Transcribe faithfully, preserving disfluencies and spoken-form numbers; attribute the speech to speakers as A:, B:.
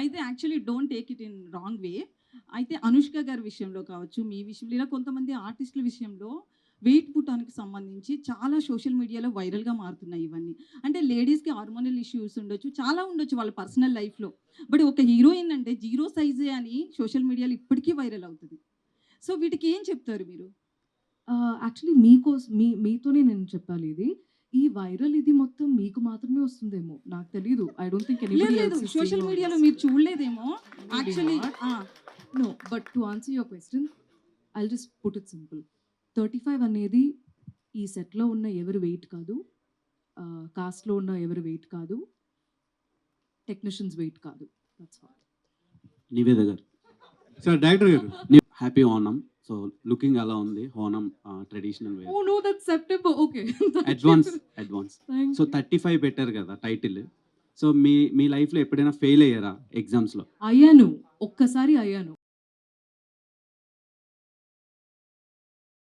A: అయితే actually don't take it in wrong way. అయితే అనుష్క గారి విషయంలో కావచ్చు, మీ విషయంలో ఇలా కొంతమంది ఆర్టిస్టుల విషయంలో వెయిట్ పుట్టానికి సంబంధించి చాలా సోషల్ మీడియాలో వైరల్‌గా మారుతున్నాయి ఇవన్నీ. అంటే లేడీస్‌కి హార్మోనల్ ఇష్యూస్ ఉండొచ్చు. చాలా ఉండొచ్చు వాళ్ళ పర్సనల్ లైఫ్‌లో. బట్ ఒక హీరోయిన్ అంటే జీరో సైజే అని సోషల్ మీడియాలో ఇప్పటికీ వైరల్ అవుతది. సో వీటికి ఏం చెప్తారు మీరు?
B: ఆహ్, యాక్చువల్లీ మీకోస్ మీ మీతోనే నేను చెప్పాలి ఇది. ఈ వైరల్ ఇది మొత్తం మీకు మాత్రమే వస్తుందేమో. నాకు తెలీదు. ఐ డోంట్ థింక్
A: లేదు
B: ఎనీబడీ
A: లేదు.
B: Else is seeing
A: social
B: all
A: మీడియాలో
B: దిస్.
A: మీరు చూడలేదేమో.
B: Maybe
A: actually
B: not.
A: Ah!
B: No. But to answer your question I'll just put it simple. ముప్పై ఐదు అనేది ఈ సెట్‌లో ఉన్న ఎవరి వెయిట్ కాదు. ఆహ్, కాస్ట్‌లో ఉన్న ఎవరి వెయిట్ కాదు. టెక్నీషియన్స్ వెయిట్ కాదు. That's all.
C: నివేద గారు
D: సార్ డైరెక్టర్ గారు
C: హ్యాపీ ఓనం. సో లుకింగ్ ఎలా ఉంది Onam traditional way
B: oh! No that's September. Okay.
C: Advance advance
B: thank
C: so
B: you.
C: Thirty five పెట్టారు కదా టైటిల్. సో మీ మీ లైఫ్లో ఎప్పుడైనా ఫెయిల్ అయ్యారా ఎగ్జామ్స్లో?
B: అయ్యాను. ఒక్కసారి అయ్యాను.